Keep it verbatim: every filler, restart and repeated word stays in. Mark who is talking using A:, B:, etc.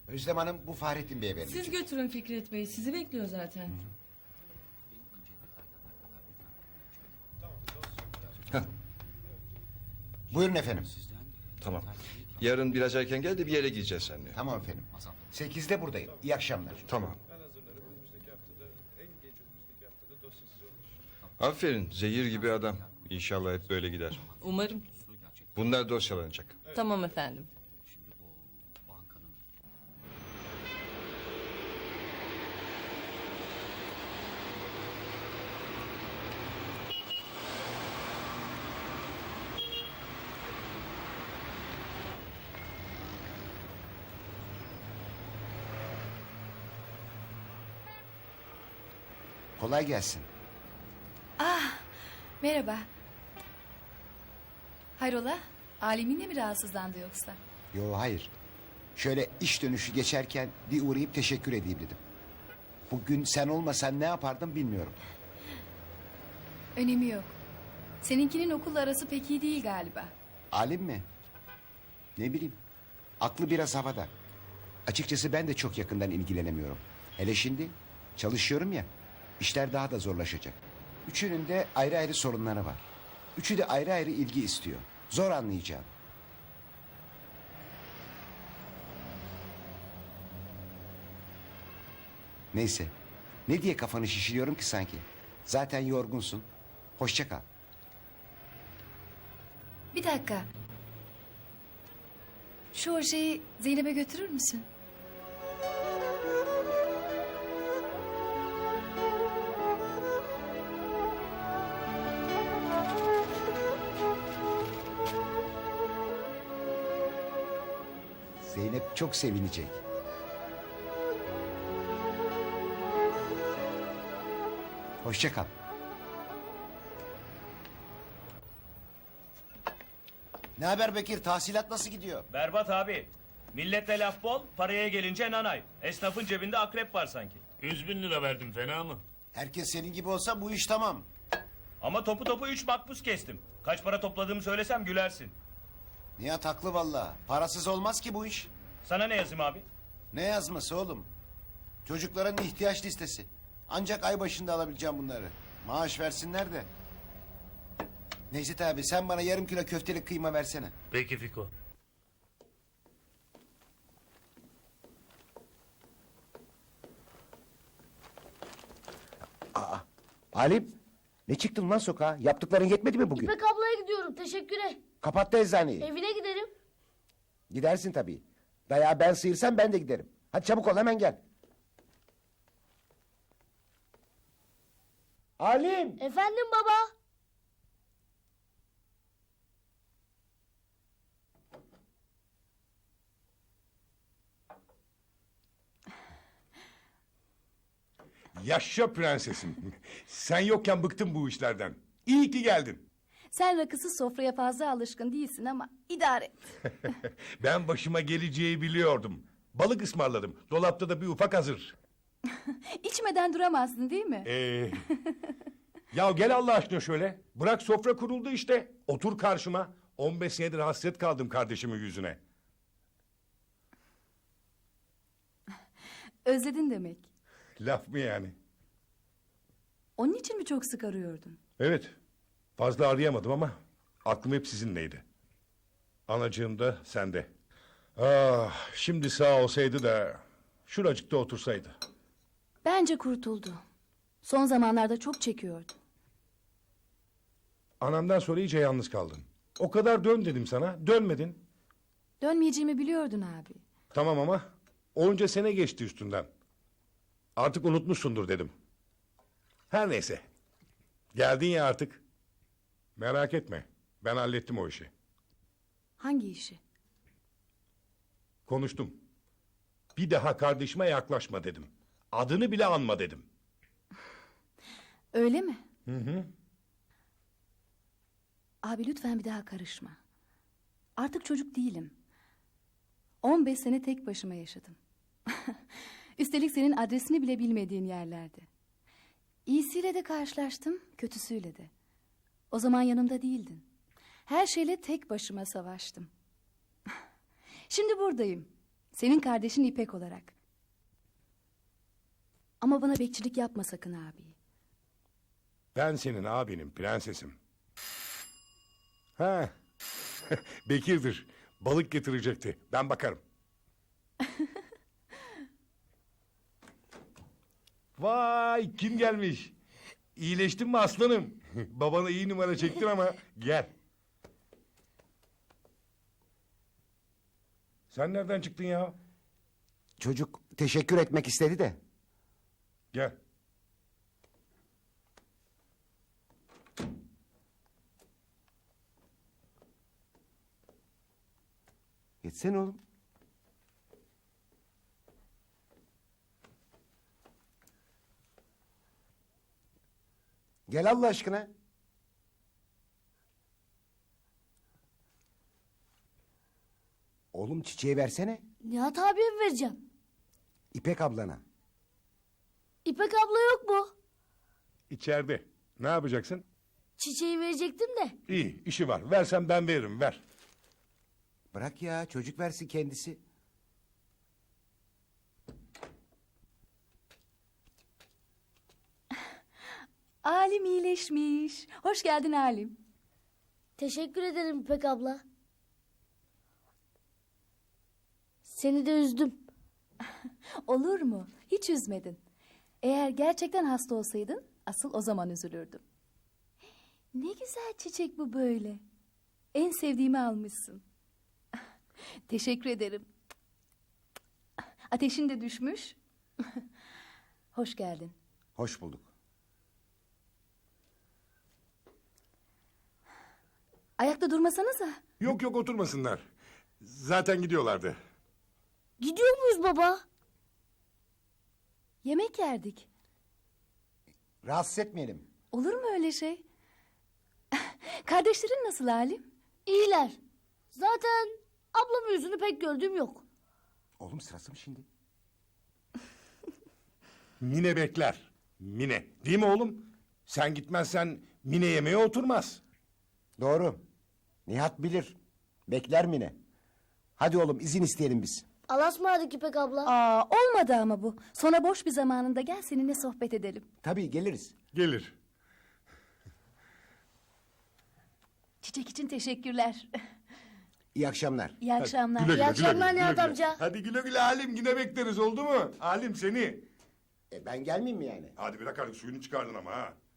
A: Özlem Hanım bu Fahrettin Bey'e verilecek.
B: Siz götürün Fikret Bey. Sizi bekliyor zaten.
C: Heh,
A: Buyurun efendim.
C: tamam. Yarın biraz erken gel de bir yere gideceğiz seninle.
A: Tamam efendim. Sekizde buradayım. İyi akşamlar.
C: Tamam. Aferin, zehir gibi adam. İnşallah hep böyle gider.
B: Umarım.
C: Bunlar dosyalanacak.
B: Tamam efendim.
A: Kolay gelsin.
D: Merhaba. Hayrola? Aleminle mi rahatsızlandı yoksa?
A: Yo hayır. Şöyle iş dönüşü geçerken bir uğrayıp teşekkür edeyim dedim. Bugün sen olmasan ne yapardım bilmiyorum.
D: Önemi yok. Seninkinin okulla arası pek iyi değil galiba.
A: Alim mi? Ne bileyim. Aklı biraz havada. Açıkçası ben de çok yakından ilgilenemiyorum. Hele şimdi çalışıyorum ya. İşler daha da zorlaşacak. Üçünün de ayrı ayrı sorunları var. Üçü de ayrı ayrı ilgi istiyor. Zor anlayacağım. Neyse. Ne diye kafanı şişiriyorum ki sanki? Zaten yorgunsun. Hoşça kal.
D: Bir dakika. Şu ojeyi Zeynep'e götürür müsün?
A: Zeynep çok sevinecek. Hoşça kal. Ne haber Bekir? Tahsilat nasıl gidiyor?
E: Berbat abi. Millette laf bol, paraya gelince nanay. Esnafın cebinde akrep var sanki.
F: Yüz bin lira verdim, fena mı?
A: Herkes senin gibi olsa bu iş tamam.
E: Ama topu topu üç makbuz kestim. Kaç para topladığımı söylesem gülersin.
A: Nihat haklı valla. Parasız olmaz ki bu iş.
E: Sana ne yazayım abi?
A: Ne yazması oğlum? Çocukların ihtiyaç listesi. Ancak ay başında alabileceğim bunları. Maaş versinler de. Necdet abi sen bana yarım kilo köftelik kıyma versene.
F: Peki Fiko.
A: Halim ne çıktın lan sokağa? Yaptıkların yetmedi mi bugün?
G: İpek ablaya gidiyorum, teşekküre.
A: Kapattı eczaneyi.
G: Evine giderim.
A: Gidersin tabii. Dayağı ben sıyırsam ben de giderim. Hadi çabuk ol hemen gel. Halim.
G: Efendim baba.
H: Yaşa prensesim. Sen yokken bıktım bu işlerden. İyi ki geldin.
D: Sen rakısız sofraya fazla alışkın değilsin ama idare et.
H: Ben başıma geleceği biliyordum. Balık ısmarladım. Dolapta da bir ufak hazır.
D: İçmeden duramazsın değil mi?
H: Ee, ya gel Allah aşkına şöyle. Bırak sofra kuruldu işte. Otur karşıma. On beş senedir hasret kaldım kardeşimin yüzüne.
D: Özledin demek.
H: Laf mı yani?
D: Onun için mi çok sık arıyordun?
H: Evet. Fazla arayamadım ama aklım hep sizinleydi. Anacığım da sende. Ah, şimdi sağ olsaydı da şuracıkta otursaydı.
D: Bence kurtuldu. Son zamanlarda çok çekiyordu.
H: Anamdan sonra iyice yalnız kaldın. O kadar dön dedim sana, dönmedin.
D: Dönmeyeceğimi biliyordun abi.
H: Tamam ama onca sene geçti üstünden. Artık unutmuşsundur dedim. Her neyse. Geldin ya artık. Merak etme. Ben hallettim o işi.
D: Hangi işi?
H: Konuştum. Bir daha kardeşime yaklaşma dedim. Adını bile anma dedim.
D: Öyle mi?
H: Hı hı.
D: Abi lütfen bir daha karışma. Artık çocuk değilim. On beş sene tek başıma yaşadım. Üstelik senin adresini bile bilmediğin yerlerde. İyisiyle de karşılaştım, kötüsüyle de. O zaman yanımda değildin. Her şeyle tek başıma savaştım. Şimdi buradayım. Senin kardeşin İpek olarak. Ama bana bekçilik yapma sakın abi.
H: Ben senin abinim, prensesim. Ha, Bekir'dir. Balık getirecekti. Ben bakarım. Vay, kim gelmiş? İyileştin mi aslanım? Babana iyi numara çektin ama gel. Sen nereden çıktın ya?
A: Çocuk teşekkür etmek istedi de.
H: Gel.
A: Geçsene oğlum. Gel Allah aşkına. Oğlum çiçeği versene.
G: Nihat abiye mi vereceğim?
A: İpek ablana.
G: İpek abla yok mu?
H: İçeride. Ne yapacaksın?
G: Çiçeği verecektim de.
H: İyi, işi var. Versen ben veririm, ver.
A: Bırak ya, çocuk versin kendisi.
D: Alim iyileşmiş. Hoş geldin Alim.
G: Teşekkür ederim İpek abla. Seni de üzdüm.
D: Olur mu? Hiç üzmedin. Eğer gerçekten hasta olsaydın asıl o zaman üzülürdüm. Ne güzel çiçek bu böyle. En sevdiğimi almışsın. Teşekkür ederim. Ateşin de düşmüş. Hoş geldin.
A: Hoş bulduk.
D: Ayakta durmasanıza.
H: Yok yok, oturmasınlar. Zaten gidiyorlardı.
G: Gidiyor muyuz baba?
D: Yemek yerdik.
A: Rahatsız etmeyelim.
D: Olur mu öyle şey? Kardeşlerin nasıl Halim?
G: İyiler. Zaten ablamın yüzünü pek gördüğüm yok.
A: Oğlum sırası mı şimdi?
H: Mine bekler. Mine. Değil mi oğlum? Sen gitmezsen Mine yemeğe oturmaz.
A: Doğru. Nihat bilir. Bekler mi ne? Hadi oğlum izin isteyelim biz.
G: Alasmadık İpek abla.
D: Aa, olmadı ama bu. Sonra boş bir zamanında gel seninle sohbet edelim.
A: Tabii geliriz.
H: Gelir.
D: Çiçek için teşekkürler.
A: İyi akşamlar.
D: İyi akşamlar.
H: Güle güle,
G: İyi akşamlar
H: güle
G: Nihat
H: güle.
G: amca.
H: Hadi güle güle Halim, yine bekleriz, oldu mu? Halim seni.
A: E, ben gelmeyeyim mi yani?
H: Hadi bir dakika, suyunu çıkardın ama ha.